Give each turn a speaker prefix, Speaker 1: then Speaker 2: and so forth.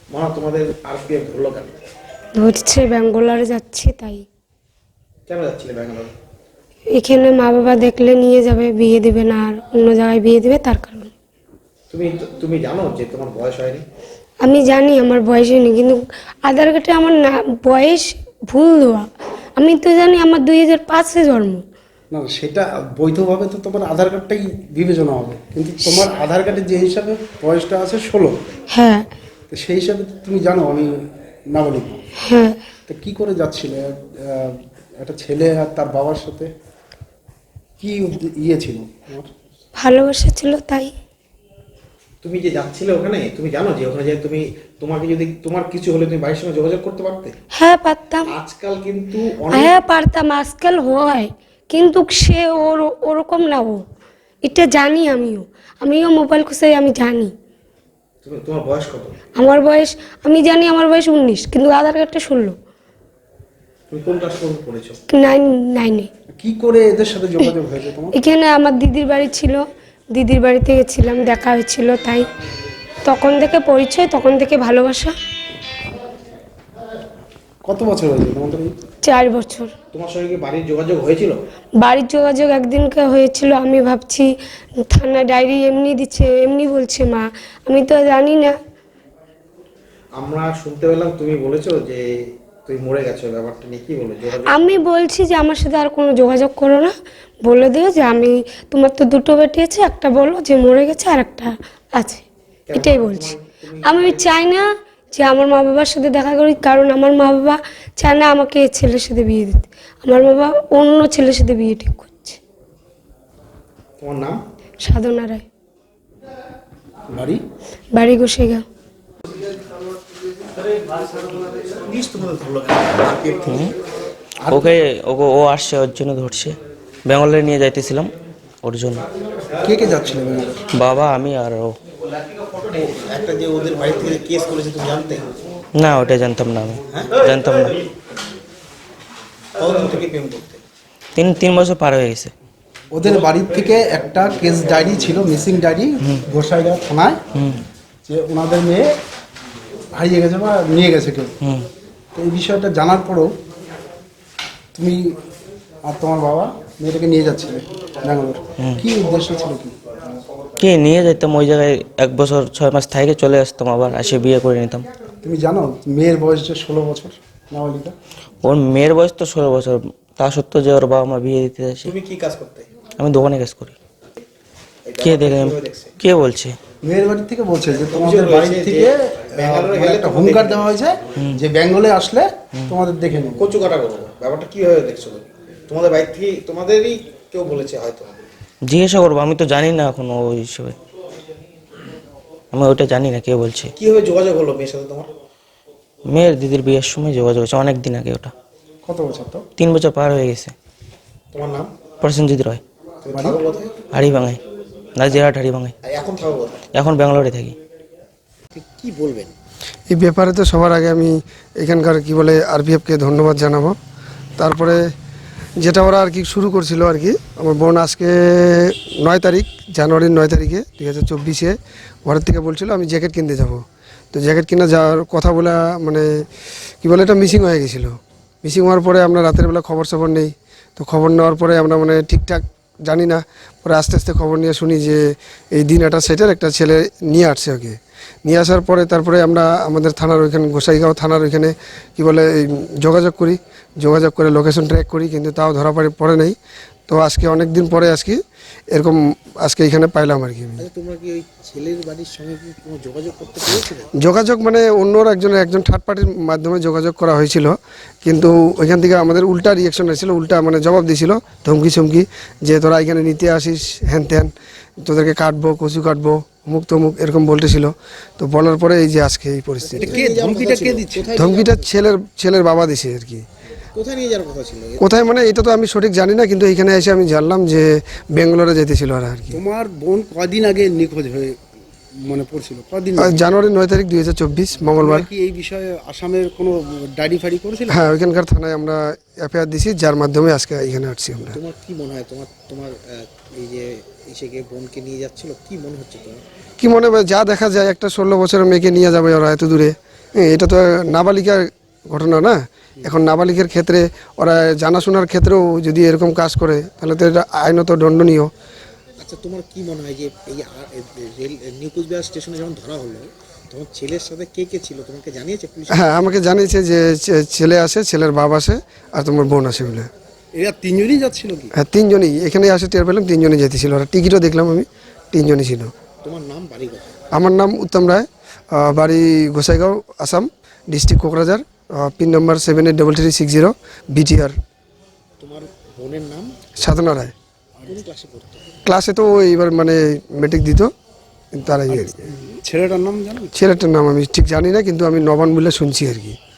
Speaker 1: মা তোমাদের আরপিএফ ধরলো কেন?
Speaker 2: ধরছে ব্যাঙ্গালোরে যাচ্ছি তাই।
Speaker 1: কেন যাচ্ছিলে ব্যাঙ্গালোর?
Speaker 2: এখানে মা বাবা দেখলে নিয়ে যাবে, বিয়ে দেবে না, আর অন্য জায়গায় বিয়ে দেবে, তার কারণে।
Speaker 1: তুমি তুমি জানো যে তোমার বয়স হয়নি?
Speaker 2: আমি জানি আমার বয়স হয়নি, কিন্তু আধার কার্ডে আমার না বয়স ভুল দেওয়া। আমি তো জানি আমার 2005-এ জন্ম।
Speaker 3: না সেটা বৈধভাবে তো তোমার আধার কার্ডটাই বিবেচনা হবে, কিন্তু তোমার আধার কার্ডে যে হিসাবে বয়সটা আছে 16,
Speaker 2: হ্যাঁ
Speaker 3: তো সেই হিসাবে তো তুমি জানো আমি নাবালিক।
Speaker 2: হ্যাঁ।
Speaker 3: তো কী করে যাচ্ছিলে একটা ছেলে আর তার বাবার সাথে? কি ইয়ে ছিল তোমার?
Speaker 2: ভালোবাসা ছিল তাই।
Speaker 1: তুমি যে যাচ্ছিলে ওখানে, তুমি জানো যে ওখানে যে তোমাকে যদি তোমার কিছু হলে তুমি বাড়ির সঙ্গে যোগাযোগ করতে পারতে?
Speaker 2: হ্যাঁ পারতাম।
Speaker 1: আজকাল কিন্তু অনেক
Speaker 2: হ্যাঁ পারতাম, আজকাল হয়, কিন্তু সে ওরকম না। এটা জানি আমিও মোবাইল খুঁজে আমি জানি।
Speaker 1: তোমার বয়স কত?
Speaker 2: আমার বয়স, আমি জানি আমার বয়স 19, কিন্তু আধার কার্ডটা 16।
Speaker 1: তুমি কোন ক্লাস পর্যন্ত পড়েছো?
Speaker 2: 9-9-এ।
Speaker 3: কি করে এদের সাথে যোগাযোগ হয়েছে তোমার?
Speaker 2: এখানে আমার দিদির বাড়ি ছিল, দিদির বাড়িতে গেছিলাম, দেখা হয়েছিল, তাই তখন থেকে পরিচয়, তখন থেকে ভালোবাসা।
Speaker 3: কত বছর হয়েছে তোমাদের?
Speaker 2: 4 বছর।
Speaker 1: তোমার সঙ্গে কি বাড়ির যোগাযোগ হয়েছিল?
Speaker 2: বাড়ির যোগাযোগ একদিনকে হয়েছিল। আমি ভাবছি থানা ডায়েরি এমনি দিচ্ছে, এমনি বলছে মা, আমি তো জানি না।
Speaker 1: আমরা শুনতে পেলাম তুমি বলেছো যে তুমি মরে গেছো, ব্যাপারটা নিয়ে কি বলে যোগাযোগ?
Speaker 2: আমি বলছি যে আমার সাথে আর কোনো যোগাযোগ করো না, বলে দিও যে আমি, তোমার তো 2টো বেটি আছে, একটা বলো যে মরে গেছে আর একটা আছে, এটাই বলছি। আমি চাই না যে আমার মা বাবার সাথে দেখা করি, কারণ আমার মা বাবা চায় না আমাকে এই ছেলের সাথে বিয়ে দিতে। আমার বাবা অন্য ছেলের সাথে বিয়ে ঠিক করছে।
Speaker 1: তোমার নাম?
Speaker 2: সাধনা রায়।
Speaker 3: বাড়ি?
Speaker 2: বাড়ি গোসাইগাঁও।
Speaker 1: পুলিশ তোমাদের ধরলো কেন? আরপিএফ থেকে?
Speaker 4: ওকে ওকে ও আসছে, ওর জন্য ধরছে। ব্যাঙ্গালোরে নিয়ে যাইতেছিলাম ওর জন্য।
Speaker 3: কে কে যাচ্ছিলে ব্যাঙ্গালোর?
Speaker 4: বাবা, আমি আর ও।
Speaker 1: একটা যে ওদের বাড়ি থেকে কেস করেছে তুমি জানতে?
Speaker 4: না, ওটা জানতাম না আমি। জানতাম না।
Speaker 1: কতদিন থেকে প্রেম করতে?
Speaker 4: 3 বছর পার হয়ে গেছে।
Speaker 3: ওদের বাড়ির থেকে একটা কেস ডায়েরি ছিল, মিসিং ডায়েরি, গোসাইগাঁও থানায়, যে ওনাদের মেয়ে হারিয়ে গেছে বা নিয়ে গেছে কেউ। তো এই বিষয়টা জানার পরও তুমি আর তোমার বাবা মেয়েটাকে নিয়ে যাচ্ছিলে ব্যাঙ্গালোর, কি উদ্দেশ্য ছিল? কি
Speaker 4: নিয়ে যেতাম ওই জায়গায়, 1 বছর 6 মাস থেকে চলে আসতাম, আবার এসে বিয়ে করে নিতাম।
Speaker 3: তুমি জানো মেয়ের বয়স যে 16 বছর, নাবালিকা?
Speaker 4: ওর মেয়ের বয়স তো 16 বছর, তা সত্ত্বেও যে ওর বাবা মা বিয়ে দিতে যাচ্ছে।
Speaker 1: তুমি কি কাজ করতে?
Speaker 4: আমি দোকানে কাজ করি। কে দেখে? কে বলছে?
Speaker 3: মেয়ের বাড়ি থেকে বলছে যে তোমাদের বাড়ি থেকে
Speaker 1: ব্যাঙ্গালোরে
Speaker 3: মানে
Speaker 1: গেলে
Speaker 3: একটা
Speaker 1: তখন
Speaker 3: হুঙ্কার
Speaker 1: দেখে
Speaker 3: দেওয়া হয়েছে যে বেঙ্গলে আসলে তোমাদের দেখে নেবে।
Speaker 1: কচু কাটা করবো, ব্যাপারটা কিভাবে দেখছো তুমি? তোমাদের বাড়ি থেকে তোমাদেরই কেউ বলেছে হয়তো?
Speaker 4: জিজ্ঞাসা করবো, আমি তো জানি না এখন ওই হিসেবে, আমি ওইটা জানি না কে বলছে।
Speaker 1: কিভাবে যোগাযোগ হলো মেয়ের সাথে তোমার?
Speaker 4: মেয়ের দিদির বিয়ের সময় যোগাযোগ হয়েছে, অনেক দিন আগে। ওটা
Speaker 3: কত বছর তো?
Speaker 4: 3 বছর পার হয়ে গেছে।
Speaker 1: তোমার নাম?
Speaker 4: প্রসেনজিৎ রয়।
Speaker 1: তুমি থাকো কোথায়?
Speaker 4: হাড়িভাঙায়, নাজিরহাট হাড়িভাঙায়।
Speaker 1: আর এখন থাকো কোথায়?
Speaker 4: এখন ব্যাঙ্গালোরে থাকি।
Speaker 1: কি বলবেন?
Speaker 5: এই ব্যাপারে তো সবার আগে আমি এখানকার কি বলে আরপিএফকে ধন্যবাদ জানাবো। তারপরে যেটা ওরা আর কি শুরু করছিল আর কি, আমার বোন আজকে 9 তারিখ, জানুয়ারির 9 তারিখে 2024-এ ঘরের থেকে বলছিল আমি জ্যাকেট কিনতে যাব। তো জ্যাকেট কিনে যাওয়ার কথা বলে মানে কি বলে এটা মিসিং হয়ে গেছিলো। মিসিং হওয়ার পরে আমরা রাতের বেলা খবর নেই। তো খবর নেওয়ার পরে আমরা মানে ঠিকঠাক জানি না, পরে আস্তে আস্তে খবর নিয়ে শুনি যে এই দিন একটা সেটের একটা ছেলে নিয়ে আসছে ওকে। নিয়ে আসার পরে তারপরে আমরা আমাদের থানার ওইখানে, গোসাইগাঁও থানার ওইখানে কী বলে যোগাযোগ করি, যোগাযোগ করে লোকেশন ট্র্যাক করি, কিন্তু তাও ধরা পড়ে নেই। তো আজকে অনেক দিন পরে আজকে এরকম আজকে এখানে পাইলাম আর কি।
Speaker 1: তোমরা কি ওই ছেলের বাড়ির সঙ্গে কি কোনো যোগাযোগ করতে পেরেছিলে?
Speaker 5: যোগাযোগ মানে অন্য একজন থার্ড পার্টির মাধ্যমে যোগাযোগ করা হয়েছিল, কিন্তু ওইখান থেকে আমাদের উল্টা রিয়াকশন এসেছিলো, উল্টা মানে জবাব দিয়েছিল, ধমকি চমকি, যে তোরা এখানে নিতে আসিস, হ্যান ত্যান, তোদেরকে কাটবো, কচু কাটবো, মুখ তমুক এরকম বলতেছিল। তো বলার পরে এই যে আজকে এই পরিস্থিতি।
Speaker 3: ধমকিটা কে দিচ্ছে?
Speaker 5: ধমকিটা ছেলের বাবা দিছে আর কি।
Speaker 1: কোথায় নিয়ে যাওয়ার কথা ছিল?
Speaker 5: কোথায় মানে এটা তো আমি সঠিক জানি না, কিন্তু এখানে এসে আমি জানলাম যে ব্যাঙ্গালোরে যেতেছিল আর কি।
Speaker 3: তোমার বোন কদিন আগে নিখোঁজ হয়ে মনে পড়ছিল? কদিন?
Speaker 5: জানুয়ারি 9 তারিখ 2024 মঙ্গলবার।
Speaker 3: কি এই বিষয়ে আসামের কোনো ডায়েরি ফাড়ি করেছিল?
Speaker 5: হ্যাঁ, ওইখানকার থানায় আমরা এফআইআর দিছি, যার মাধ্যমে আজকে এখানে আসছি আমরা।
Speaker 1: তোমার কি মনে হয়, তোমার এই যে ইসেকে বোনকে নিয়ে যাচ্ছিল, কি মনে হচ্ছে তোমার?
Speaker 5: কি মনে হয়, যা দেখা যায় একটা 16 বছরের মেয়েকে নিয়ে যাবে ওরা এত দূরে, এটা তো নাবালিকার ঘটনা না। এখন নাবালিকার ক্ষেত্রে ওরা জানাশোনার ক্ষেত্রেও যদি এরকম কাজ করে তাহলে তো এটা আইনত দণ্ডনীয়।
Speaker 1: আচ্ছা, তোমার কি মনে হয় যে এই রেল নিউ কুচবিহার স্টেশনে যখন ধরা হলো তখন ছেলের সাথে কে কে ছিল, তোমাকে জানিয়েছে পুলিশ?
Speaker 5: হ্যাঁ, আমাকে জানিয়েছে যে ছেলে আসে, ছেলের বাবা আসে, আর তোমার বোন আসে বলে।
Speaker 3: এরা তিনজনই যাচ্ছিল কি?
Speaker 5: হ্যাঁ, তিনজনই এখানে আসে, টের পেলাম তিনজনই যেতেছিল। ওরা টিকিটও দেখলাম আমি, তিনজনই ছিল।
Speaker 1: তোমার নাম, বাড়ি কোথায়?
Speaker 5: আমার নাম উত্তম রায়, বাড়ি Gossaigaon, Assam, district Kokrajhar, pin number 783360 BTR।
Speaker 1: তোমার বোনের নাম?
Speaker 5: সাধনা রায়।
Speaker 1: কোন ক্লাসে পড়তো?
Speaker 5: ক্লাসে তো এইবার মানে মেট্রিক দিত তারাই।
Speaker 3: ছেলেটার নাম জানো?
Speaker 5: ছেলেটার নাম আমি ঠিক জানি না, কিন্তু আমি নবান বলে শুনছি আর কি।